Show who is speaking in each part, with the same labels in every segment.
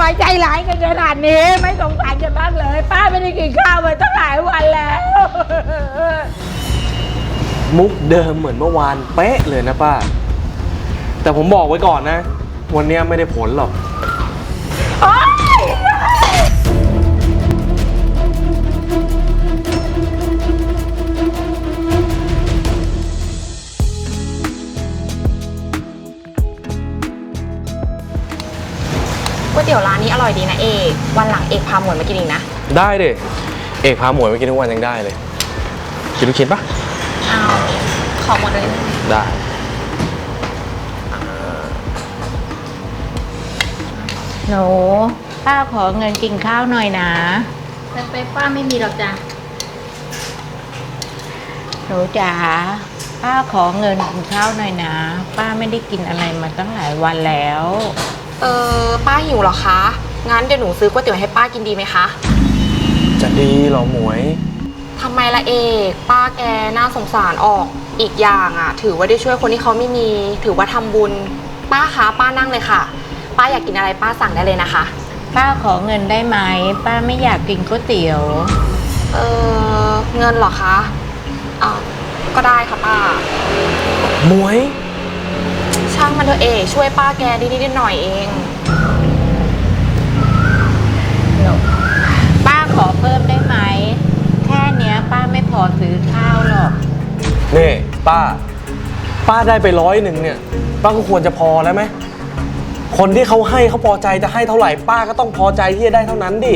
Speaker 1: อยใจร้ายกันขนาดนี้ไม่สงสารกันบ้างเลยป้าไม่ได้กินข้าวมาตั้งหลายวันแล้ว
Speaker 2: มุกเดิมเหมือนเมื่อวานเป๊ะเลยนะป้าแต่ผมบอกไว้ก่อนนะวันนี้ไม่ได้ผลหรอก
Speaker 1: โอ๊ย
Speaker 3: ก๋วยเตี๋ยวร้านนี้อร่อยดีนะเอกวันหลังเอกพาหมวยมากินอีกนะ
Speaker 2: ได้ดิเอกพาหมวยไปกินทุกวันยังได้เลยกินลูกชิ้นปะ
Speaker 3: เอาขอหมดเลย
Speaker 2: ได้
Speaker 1: หนูป้าขอเงินกินข้าวหน่อยนะ
Speaker 3: แต่ไปป้าไม่มีหรอกจ้ะ
Speaker 1: หนูจ๋าป้าขอเงินกินข้าวหน่อยนะป้าไม่ได้กินอะไรมาตั้งหลายวันแล้ว
Speaker 3: ป้าหิวเหรอคะงั้นเดี๋ยวหนูซื้อก๋วยเตี๋ยวให้ป้ากินดีไหมคะ
Speaker 2: จะดีเหรอหมวย
Speaker 3: ทำไมละเอกป้าแกน่าสงสารออกอีกอย่างอ่ะถือว่าได้ช่วยคนที่เขาไม่มีถือว่าทำบุญป้าคะป้านั่งเลยค่ะป้าอยากกินอะไรป้าสั่งได้เลยนะคะ
Speaker 1: ป้าขอเงินได้ไหมป้าไม่อยากกินก๋วยเตี๋ยว
Speaker 3: เงินเหรอคะก็ได้ค่ะป้า
Speaker 2: หมวย
Speaker 3: ช่างมันเถอะเอกช่วยป้าแกนิดหน่อยเอง
Speaker 1: ป้าขอเพิ่มได้ไหมแค่เนี้ยป้าไม่พอซื้อข้าวหรอก
Speaker 2: นี่ป้าได้ไป100เนี่ยป้าก็ควรจะพอแล้วไหมคนที่เขาให้เขาพอใจจะให้เท่าไหร่ป้าก็ต้องพอใจที่จะได้เท่านั้นดิ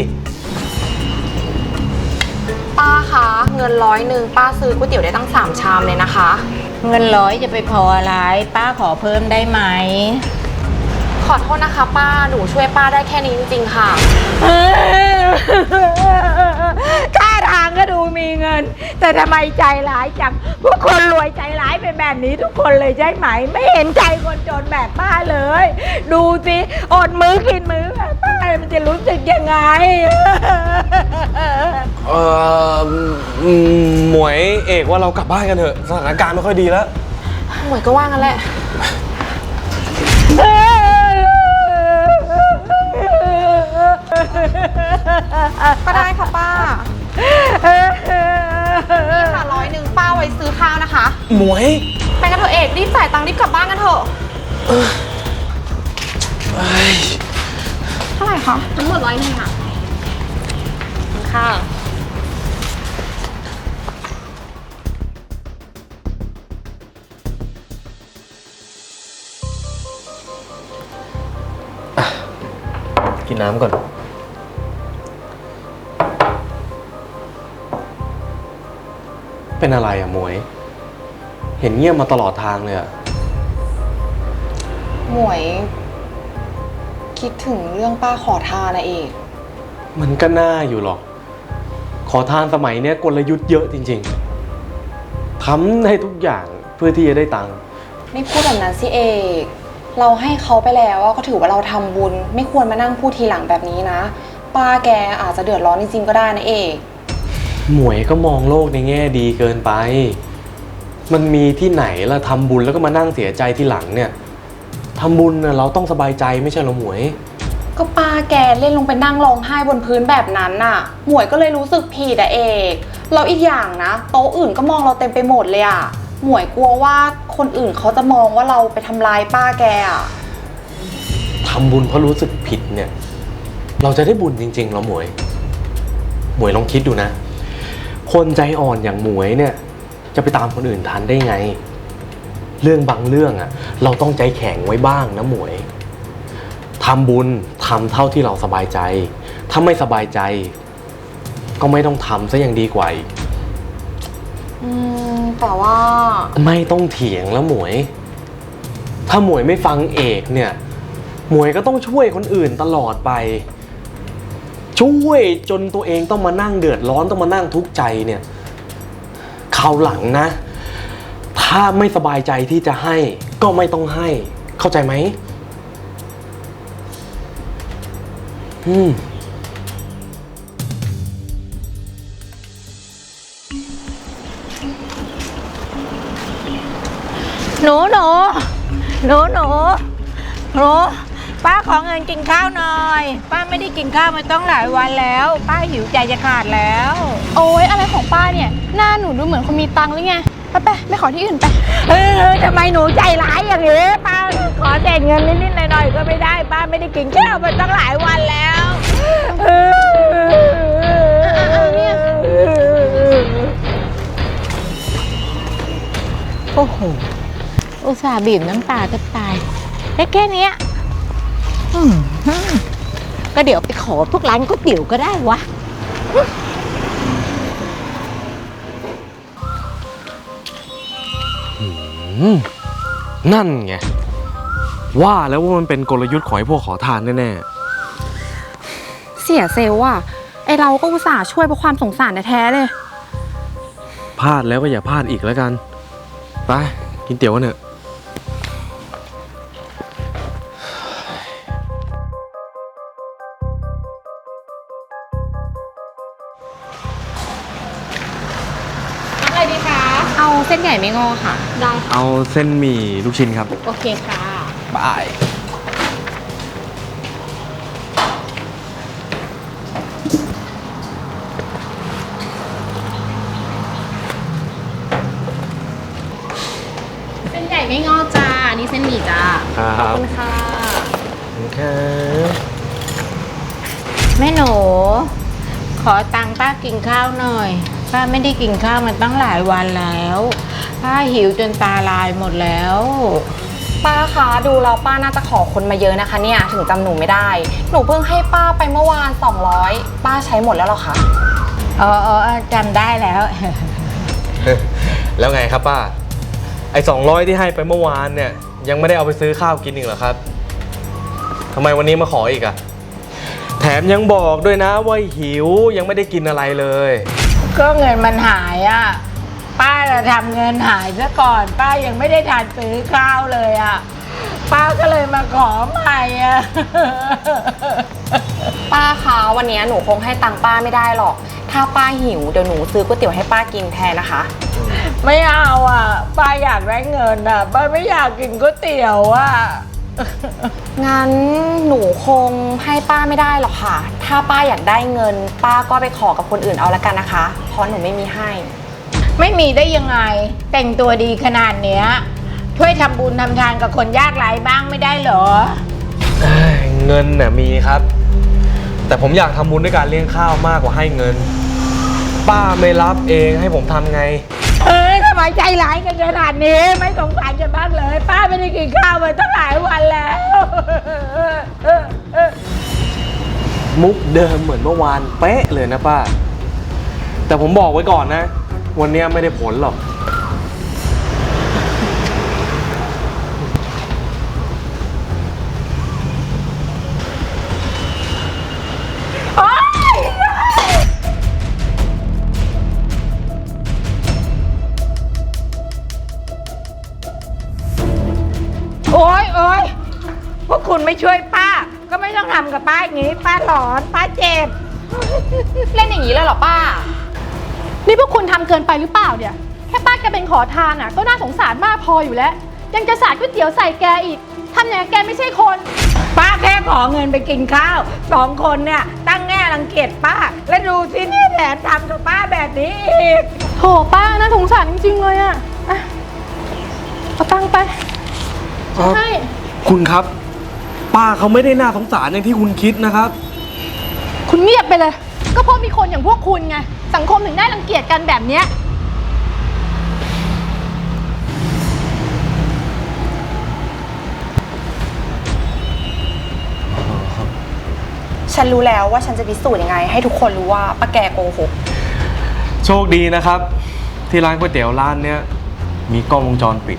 Speaker 3: ป้าคะเงิน100ป้าซื้อก๋วยเตี๋ยวได้ตั้ง3ชามเลยนะคะ
Speaker 1: เงิน100จะไปพออะไรป้าขอเพิ่มได้ไหม
Speaker 3: ขอโทษนะคะป้าหนูช่วยป้าได้แค่นี้จริงๆค่ะ
Speaker 1: ท่าทางก็ดูมีเงินแต่ทำไมใจร้ายจังพวกคนรวยใจร้ายเป็นแบบนี้ทุกคนเลยใช่ไหมไม่เห็นใจคนจนแบบป้าเลยดูสิอดมื้อกินมื้อแบบป้ามันจะรู้สึกยังไง
Speaker 2: หมวยเอกว่าเรากลับบ้านกันเถอะสถานการณ์ไม่ค่อยดีแล้ว
Speaker 3: หมวยก็ว่างั้นแหละก็ได้ค่ะป้านี่ค่ะ100ป้าไว้ซื้อข้าวนะคะ
Speaker 2: หมวย
Speaker 3: ไปกันเถอะเอกรีบจ่ายตังค์รีบกลับบ้านกันเถอะเท่าไหร่คะทั้งหมด100ค่ะค่ะ
Speaker 2: กินน้ำก่อนเป็นอะไรอะหมวยเห็นเงียบมาตลอดทางเลยอะ
Speaker 3: หมวยคิดถึงเรื่องป้าขอทานนะเอก
Speaker 2: มันก็น่าอยู่หรอกขอทานสมัยเนี้ยกลยุทธ์เยอะจริงๆทำให้ทุกอย่างเพื่อที่จะได้ตังค์
Speaker 3: ไม่พูดแบบนั้นสิเอกเราให้เขาไปแล้วก็ถือว่าเราทำบุญไม่ควรมานั่งพูดทีหลังแบบนี้นะป้าแกอาจจะเดือดร้อนจริงๆก็ได้นะเอก
Speaker 2: หมวยก็มองโลกในแง่ดีเกินไปมันมีที่ไหนล่ะทำบุญแล้วก็มานั่งเสียใจทีหลังเนี่ยทำบุญเราต้องสบายใจไม่ใช่หรอหมวย
Speaker 3: ก็ป้าแกเล่นลงไปนั่งร้องไห้บนพื้นแบบนั้นน่ะหมวยก็เลยรู้สึกผิดอะเอกเราอีกอย่างนะโต๊ะอื่นก็มองเราเต็มไปหมดเลยอะหมวยกลัวว่าคนอื่นเขาจะมองว่าเราไปทำร้ายป้าแกอะ
Speaker 2: ทำบุญเพราะรู้สึกผิดเนี่ยเราจะได้บุญจริงๆเหรอหมวยลองคิดดูนะคนใจอ่อนอย่างหมวยเนี่ยจะไปตามคนอื่นทันได้ไงเรื่องบางเรื่องอะเราต้องใจแข็งไว้บ้างนะหมวยทำบุญทำเท่าที่เราสบายใจถ้าไม่สบายใจก็ไม่ต้องทำซะยังดีกว่า
Speaker 3: แต่ว่า
Speaker 2: ไม่ต้องเถียงแล้วหมวยถ้าหมวยไม่ฟังเอกเนี่ยหมวยก็ต้องช่วยคนอื่นตลอดไปช่วยจนตัวเองต้องมานั่งเดือดร้อนต้องมานั่งทุกข์ใจเนี่ยคราวหลังนะถ้าไม่สบายใจที่จะให้ก็ไม่ต้องให้เข้าใจไหม
Speaker 1: หนูป้าขอเงินกินข้าวหน่อย ป้าไม่ได้กินข้าวมาต้องหลายวันแล้ว ป้าหิวใจจะขาดแล้ว
Speaker 4: โอ๊ยอะไรของป้าเนี่ยหน้าหนูดูเหมือนคนมีตังค์หรือไงไปขอที่อื่นไป
Speaker 1: ทำไมหนูใจร้ายอย่างนี้ป้าขอแต่เงินนิดๆหน่อยๆก็ไม่ได้ ป้าไม่ได้กินข้าวมาตั้งหลายวันแล้วโอ้โหอุตส่าห์บีบน้ำตาจะตายได้แค่เนี้ยก็เดี๋ยวไปขอพวกร้านก๋วยเตี๋ยวก็ได้วะ
Speaker 2: นั่นไงว่าแล้วว่ามันเป็นกลยุทธ์ของไอ้พวกขอทานแน่
Speaker 3: เสียเซลล์อ่ะไอเราก็อุตส่าห์ช่วยเพราะความสงสารแท้ๆเลย
Speaker 2: ๆพลาดแล้วก็อย่าพลาดอีกแล้วกันไปกินเตี๋ยวกันเถอะ
Speaker 3: อะไรดีคะ เอาเส้นใหญ่ไม่งอค่ะ ได้
Speaker 2: เอาเส้นหมี่ลูกชิ้นครับ
Speaker 3: โอเคค่ะ
Speaker 2: บาย
Speaker 3: เส้นใหญ่ไม่งอจ้าอันนี้เส้นหมี่จ้า
Speaker 2: ครับ
Speaker 3: ขอบคุณค่ะ
Speaker 2: ครับ
Speaker 1: แม่หนู ขอตังค์ป้ากินข้าวหน่อย ป้าไม่ได้กินข้าวมาตั้งหลายวันแล้ว ป้าหิวจนตาลายหมดแล้ว
Speaker 3: ป้าคะดูแล้วป้าน่าจะขอคนมาเยอะนะคะเนี่ยถึงจำหนูไม่ได้ หนูเพิ่งให้ป้าไปเมื่อวาน200ป้าใช้หมดแล้วเหรอคะ
Speaker 1: จำได้แล้ว
Speaker 2: แล้วไงครับป้าไอ้200ที่ให้ไปเมื่อวานเนี่ยยังไม่ได้เอาไปซื้อข้าวกินอีกเหรอครับทำไมวันนี้มาขออีกอะแถมยังบอกด้วยนะว่าหิวยังไม่ได้กินอะไรเลย
Speaker 1: ก็เงินมันหายอ่ะ ป้าจะทำเงินหายซะก่อน ป้ายังไม่ได้ทานซื้อข้าวเลยอ่ะ ป้าก็เลยมาขอใหม่อ่ะ
Speaker 3: ป้าคะวันนี้หนูคงให้ตังค์ป้าไม่ได้หรอก ถ้าป้าหิวเดี๋ยวหนูซื้อก๋วยเตี๋ยวให้ป้ากินแทนนะคะ
Speaker 1: ไม่เอาอ่ะ ป้าอยากได้เงินอ่ะ ป้าไม่อยากกินก๋วยเตี๋ยวอ่ะ
Speaker 3: งั้นหนูคงให้ป้าไม่ได้หรอกค่ะ ถ้าป้าอยากได้เงิน ป้าก็ไปขอกับคนอื่นเอาละกันนะคะ เพราะหนูไม่มีให้
Speaker 1: ไม่มีได้ยังไง แต่งตัวดีขนาดเนี้ย ช่วยทำบุญทำทานกับคนยากไร้บ้างไม่ได้เหรอ
Speaker 2: เงินน่ะมีครับ แต่ผมอยากทำบุญด้วยการเลี้ยงข้าวมากกว่าให้เงิน ป้าไม่รับเองให้ผมทำไง
Speaker 1: ทำไมใจร้ายกันขนาดนี้ ไม่สงสารกันบ้างเลย ป้าไม่ได้กินข้าวมาตั้งหลายวันแล้ว
Speaker 2: มุกเดิมเหมือนเมื่อวานเป๊ะเลยนะป้า แต่ผมบอกไว้ก่อนนะ วันนี้ไม่ได้ผลหรอก
Speaker 1: โอ๊ยพวกคุณไม่ช่วยป้า ก็ไม่ต้องทำกับป้าอย่างนี้ ป้าหลอน ป้าเจ็บ
Speaker 3: เล่นอย่างนี้เลยเหรอป้า
Speaker 4: นี่พวกคุณทำเกินไปหรือเปล่าเนี่ยแค่ป้าแกเป็นขอทานอ่ะก็น่าสงสารมากพออยู่แล้ว ยังจะสาดก๋วยเตี๋ยวใส่แกอีกทำอย่างแกไม่ใช่คน
Speaker 1: ป้าแค่ขอเงินไปกินข้าว2 คนเนี่ยตั้งแง่รังเกียจป้า แล้วดูสิเนี่ยแถมทำกับป้าแบบนี้อีก
Speaker 4: โถป้าน่าสงสารจริงๆเลยอ่ะเอาตังค์ไปให้
Speaker 2: คุณครับ ป้าเขาไม่ได้น่าสงสารอย่างที่คุณคิดนะครับ
Speaker 4: คุณเงียบไปเลย ก็เพราะมีคนอย่างพวกคุณไงสังคมถึงได้รังเกียจกันแบบเนี้ย
Speaker 3: ฉันรู้แล้วว่าฉันจะพิสูจน์ยังไง ให้ทุกคนรู้ว่าป้าแกโกหก
Speaker 2: โชคดีนะครับ ที่ร้านก๋วยเตี๋ยวร้านเนี้ยมีกล้องวงจรปิด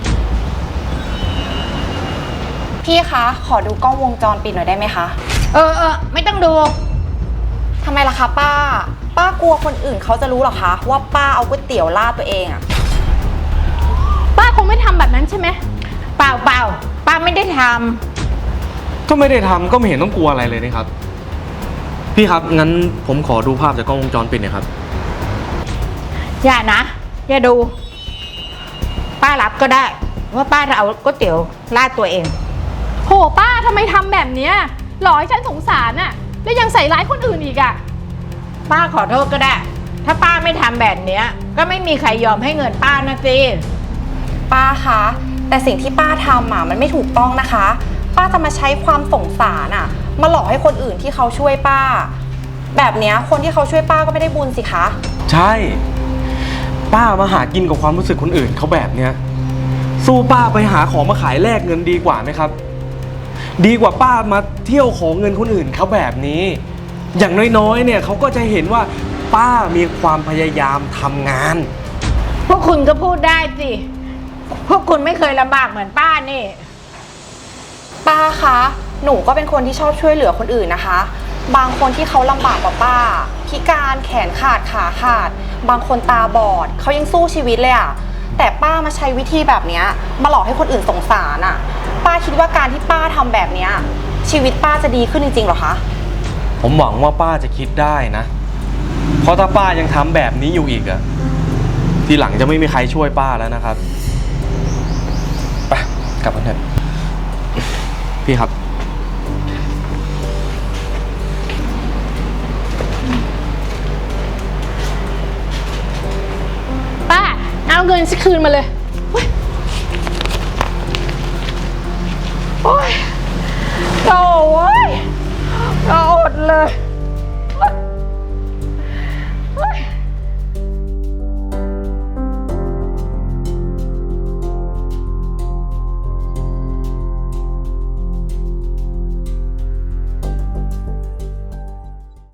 Speaker 3: พี่คะขอดูกล้องวงจรปิดหน่อยได้ไหมคะ
Speaker 1: ไม่ต้องดู
Speaker 3: ทำไมล่ะคะป้า ป้ากลัวคนอื่นเขาจะรู้หรอคะว่าป้าเอาก๋วยเตี๋ยวราดตัวเองอะ
Speaker 4: ป้าคงไม่ทำแบบนั้นใช่ไหม
Speaker 1: เปล่าป้าไม่ได้ท
Speaker 2: ก็ไม่ได้ทำก็ไม่เห็นต้องกลัวอะไรเลยนะครับ พี่ครับงั้นผมขอดูภาพจากกล้องวงจรปิดหน่อยครับ
Speaker 1: ำอย่านะ อย่าดู ป้ารับก็ได้ ว่าป้าจะเอาก๋วยเตี๋ยวราดตัวเอง
Speaker 4: โหป้าทำไมทำแบบเนี้ยหลอกให้ฉันสงสารอะแล้วยังใส่ร้ายคนอื่นอีกอะ
Speaker 1: ป้าขอโทษก็ได้ ถ้าป้าไม่ทำแบบเนี้ยก็ไม่มีใครยอมให้เงินป้านะสิ
Speaker 3: ป้าคะแต่สิ่งที่ป้าทำมันไม่ถูกต้องนะคะ ป้าจะมาใช้ความสงสารมาหลอกให้คนอื่นที่เขาช่วยป้า แบบเนี้ยคนที่เขาช่วยป้าก็ไม่ได้บุญสิคะ
Speaker 2: ใช่ ป้ามาหากินกับความรู้สึกคนอื่นเขาแบบเนี้ยสู้ป้าไปหาของมาขายแลกเงินดีกว่าไหมครับ ดีกว่าป้ามาเที่ยวขอเงินคนอื่นเขาแบบนี้ อย่างน้อยๆเนี่ยเขาก็จะเห็นว่าป้ามีความพยายามทำงาน
Speaker 1: พวกคุณก็พูดได้สิ พวกคุณไม่เคยลำบากเหมือนป้านี่
Speaker 3: ป้าคะหนูก็เป็นคนที่ชอบช่วยเหลือคนอื่นนะคะ บางคนที่เขาลำบากกว่าป้า พิการแขนขาดขาขาด บางคนตาบอดเขายังสู้ชีวิตเลยแต่ป้ามาใช้วิธีแบบเนี้ยมาหลอกให้คนอื่นสงสารป้าคิดว่าการที่ป้าทำแบบเนี้ยชีวิตป้าจะดีขึ้นจริงๆหรอคะ
Speaker 2: ผมหวังว่าป้าจะคิดได้นะ เพราะถ้าป้ายังทำแบบนี้อยู่อีกทีหลังจะไม่มีใครช่วยป้าแล้วนะครับไปกลับกันเถอะพี่ครับ
Speaker 4: ป้าเอาเงินฉันคืนมาเลย
Speaker 1: โอ้ยโถ่เว้ยก็อดเลย